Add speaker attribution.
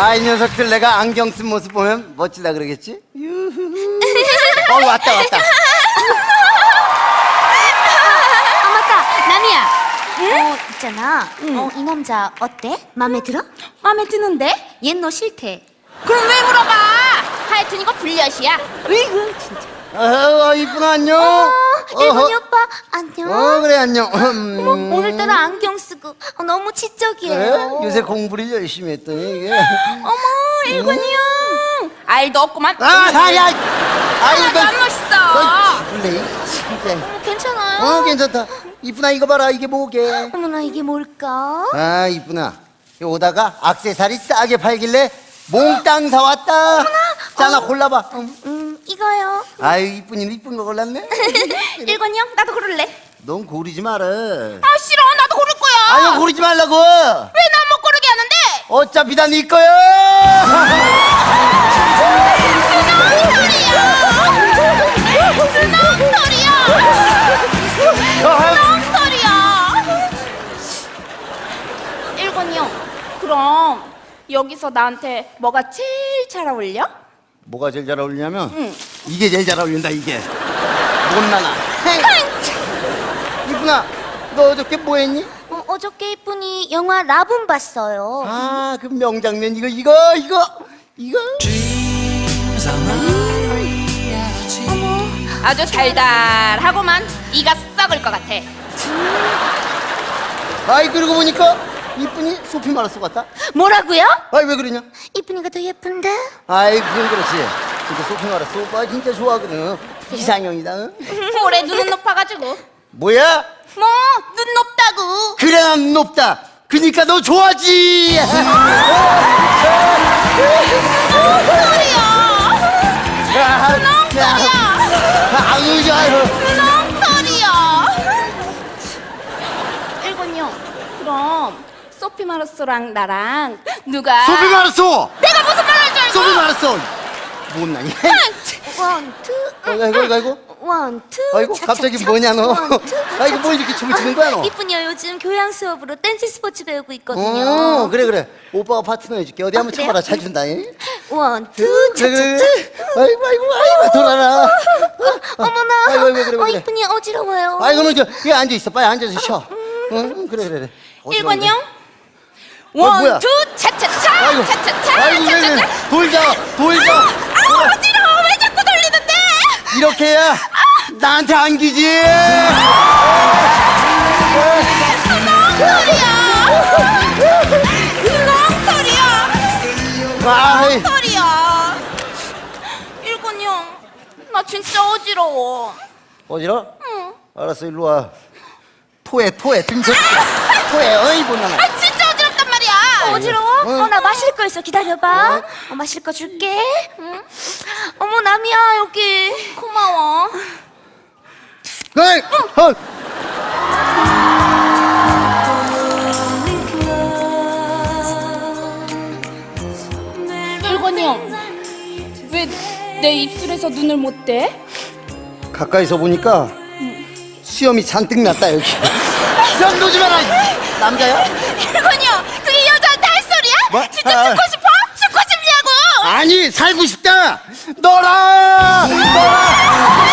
Speaker 1: 이 녀석들 내가 안경 쓴 모습 보면 멋지다 그러겠지? 유후. 왔다.
Speaker 2: 맞다, 남이야. 있잖아. 이 남자 어때? 마음에 들어?
Speaker 3: 마음에 드는데?
Speaker 2: 얘 너 싫대.
Speaker 3: 그럼 왜 물어봐? 하여튼 이거 불려시야. 으이구 진짜.
Speaker 1: 이쁘나 안녕.
Speaker 2: 일본이 오빠 안녕.
Speaker 1: 그래 안녕.
Speaker 2: 오늘따라 안경 쓰고 너무 지적이에요.
Speaker 1: 그래? 요새 공부를 열심히 했더니 이게.
Speaker 3: 어머 일본이 형. 알도 없구만.
Speaker 1: 이거
Speaker 3: 안 멋있어.
Speaker 1: 원래 진짜.
Speaker 2: 괜찮아요?
Speaker 1: 괜찮다. 이쁘나 이거 봐라 이게 뭐게?
Speaker 2: 어머나 이게 뭘까?
Speaker 1: 이쁘나 오다가 액세서리 싸게 팔길래 몽땅 사왔다. 자, 하나 골라봐.
Speaker 2: 이거요.
Speaker 1: 아유 이쁜이 이쁜 거 골랐네.
Speaker 3: 일본이 형 나도 고를래.
Speaker 1: 넌 고르지 마라.
Speaker 3: 아 싫어 나도 고를 거야.
Speaker 1: 아유 고르지 말라고.
Speaker 3: 왜 난 못 고르게 하는데?
Speaker 1: 어차피 다 네 거야.
Speaker 3: 스낵털이야. 일본이 형 그럼 여기서 나한테 뭐가 제일 잘 어울려?
Speaker 1: 뭐가 제일 잘 어울리냐면 이게 제일 잘 어울린다 이게. 못나가. 이쁜아 너 어저께 뭐 했니?
Speaker 2: 어저께 이쁜이 영화 라붐 봤어요.
Speaker 1: 그 명장면 이거
Speaker 3: 아주 달달하고만 이가 썩을 것 같아.
Speaker 1: 그러고 보니까 이쁜이 소피 마르소 같다.
Speaker 2: 뭐라고요?
Speaker 1: 왜 그러냐?
Speaker 2: 이쁜이가 더 예쁜데?
Speaker 1: 그건 그렇지. 근데 소피 마르소 오빠 진짜 좋아하거든. 이상형이다. 응?
Speaker 3: 올해 눈은 높아가지고.
Speaker 1: 뭐야?
Speaker 3: 뭐 눈 높다고.
Speaker 1: 그래 난 높다. 그니까 너 좋아하지. 아유 좋아요.
Speaker 3: 눈엉터리야. 일본이 형 그럼 소피 마르소랑 나랑 누가
Speaker 1: 소피 마르소.
Speaker 3: 내가 무슨 말 할 줄 알고?
Speaker 1: 소피 마르소. 못나니?
Speaker 2: 원, 투.
Speaker 1: 아이고.
Speaker 2: 원, 투.
Speaker 1: 아이고 갑자기 뭐냐 너.
Speaker 2: 원, 투.
Speaker 1: 이거 뭐 이렇게 춤을 추는 거야 너.
Speaker 2: 이쁜이요 요즘 교양 수업으로 댄스 스포츠 배우고 있거든요.
Speaker 1: 그래 오빠가 파트너 해줄게. 어디 한번
Speaker 2: 그래요?
Speaker 1: 쳐봐라. 잘 준다.
Speaker 2: 원, 투. 차차차.
Speaker 1: 아이고 돌아라.
Speaker 2: 어머나.
Speaker 1: 그래.
Speaker 2: 이쁜이 어지러워요.
Speaker 1: 너는 여기 앉아 있어. 빨리 앉아서 쉬어. 그래.
Speaker 3: 일본이 형
Speaker 1: 뭐야?
Speaker 3: 원, 투, 차차차
Speaker 1: 아이고.
Speaker 3: 차차차
Speaker 1: 왜
Speaker 3: 차차차.
Speaker 1: 돌자.
Speaker 3: 아우 어지러워 왜 자꾸 돌리는데?
Speaker 1: 이렇게 해야 나한테 안기지.
Speaker 3: 털이야. 일본이 형, 나 진짜 어지러워.
Speaker 1: 어지러?
Speaker 3: 응.
Speaker 1: 알았어 일로 와. 토해 등쳐. 토해. 이보나.
Speaker 3: 진짜 어지럽단 말이야.
Speaker 2: 어지러워? 나 마실 거 있어. 기다려봐. 마실 거 줄게. 응? 어머, 남이야, 여기.
Speaker 3: 고마워. 일본이 형, 왜 내 입술에서 눈을 못 떼?
Speaker 1: 가까이서 보니까 수염이 잔뜩 났다 여기. 수염 놓지 마라. 남자야?
Speaker 3: 일본이 형, 그게 여자한테 할 소리야?
Speaker 1: 뭐?
Speaker 3: 진짜 죽고 싶어? 죽고 싶냐고?
Speaker 1: 아니 살고 싶다. 너라.